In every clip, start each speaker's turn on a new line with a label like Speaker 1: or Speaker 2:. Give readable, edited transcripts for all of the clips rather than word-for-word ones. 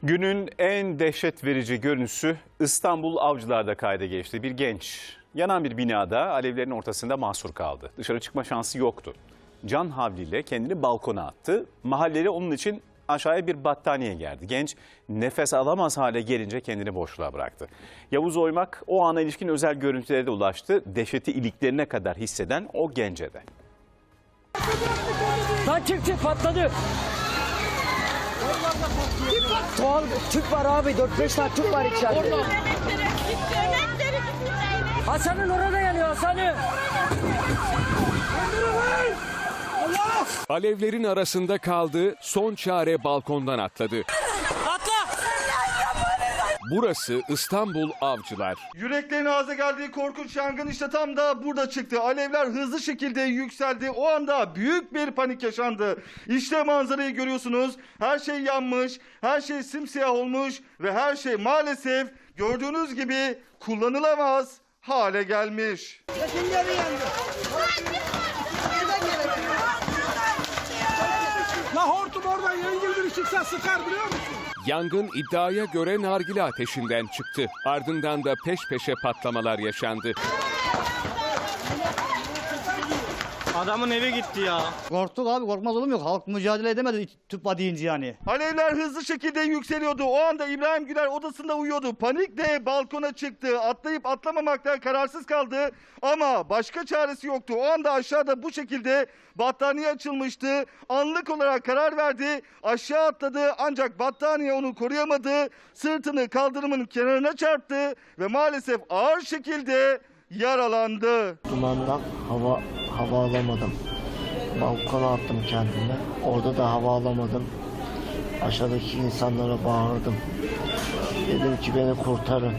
Speaker 1: Günün en dehşet verici görüntüsü İstanbul Avcılar'da kayda geçti. Bir genç yanan bir binada alevlerin ortasında mahsur kaldı. Dışarı çıkma şansı yoktu. Can havliyle kendini balkona attı. Mahalleli onun için aşağıya bir battaniye gerdi. Genç nefes alamaz hale gelince kendini boşluğa bıraktı. Yavuz Oymak o ana ilişkin özel görüntülere de ulaştı. Dehşeti iliklerine kadar hisseden o gence de.
Speaker 2: Lan çık patladı. Doğal tüp var abi, 4-5 tane tüp var içeride. Hasan'ın orada yanıyor, Hasan'ın.
Speaker 3: Alevlerin arasında kaldı, son çare balkondan atladı.
Speaker 2: Atla!
Speaker 3: Burası İstanbul Avcılar.
Speaker 4: Yüreklerin ağza geldiği korkunç yangın işte tam da burada çıktı. Alevler hızlı şekilde yükseldi. O anda büyük bir panik yaşandı. İşte manzarayı görüyorsunuz. Her şey yanmış, her şey simsiyah olmuş ve her şey maalesef gördüğünüz gibi kullanılamaz hale gelmiş.
Speaker 5: La hortum oradan yengil bir çıksa sıkar biliyor musun?
Speaker 3: Yangın iddiaya göre nargile ateşinden çıktı. Ardından da peş peşe patlamalar yaşandı.
Speaker 6: Adamın evi gitti ya.
Speaker 7: Korktuk abi, korkmaz olur mu? Yok, halk mücadele edemedi tüp var deyince yani.
Speaker 4: Alevler hızlı şekilde yükseliyordu. O anda İbrahim Güler odasında uyuyordu. Panikle balkona çıktı. Atlayıp atlamamaktan kararsız kaldı. Ama başka çaresi yoktu. O anda aşağıda bu şekilde battaniye açılmıştı. Anlık olarak karar verdi. Aşağı atladı ancak battaniye onu koruyamadı. Sırtını kaldırımın kenarına çarptı ve maalesef ağır şekilde yaralandı.
Speaker 8: Dumandan hava alamadım. Balkona attım kendimi. Orada da hava alamadım. Aşağıdaki insanlara bağırdım. Dedim ki beni kurtarın.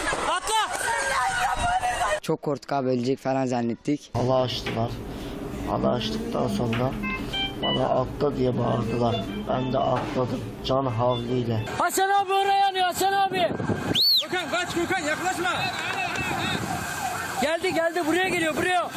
Speaker 2: Çok korktuk abi, ölecek falan zannettik.
Speaker 8: Hala açtılar. Hala açtıktan sonra bana atla diye bağırdılar. Ben de atladım can havliyle.
Speaker 2: Hasan abi oraya yanıyor, Hasan abi.
Speaker 5: Gökhan kaç, Gökhan yaklaşma.
Speaker 2: Geldi buraya geliyor, buraya.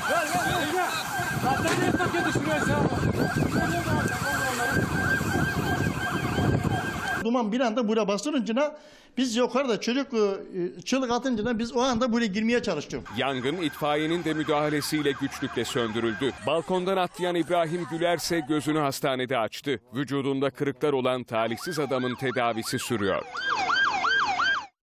Speaker 9: Duman bir anda buraya bastırınca biz yukarıda çocuk çığlık atınca biz o anda buraya girmeye çalıştık.
Speaker 3: Yangın itfaiyenin de müdahalesiyle güçlükle söndürüldü. Balkondan atlayan İbrahim Güler ise gözünü hastanede açtı. Vücudunda kırıklar olan talihsiz adamın tedavisi sürüyor.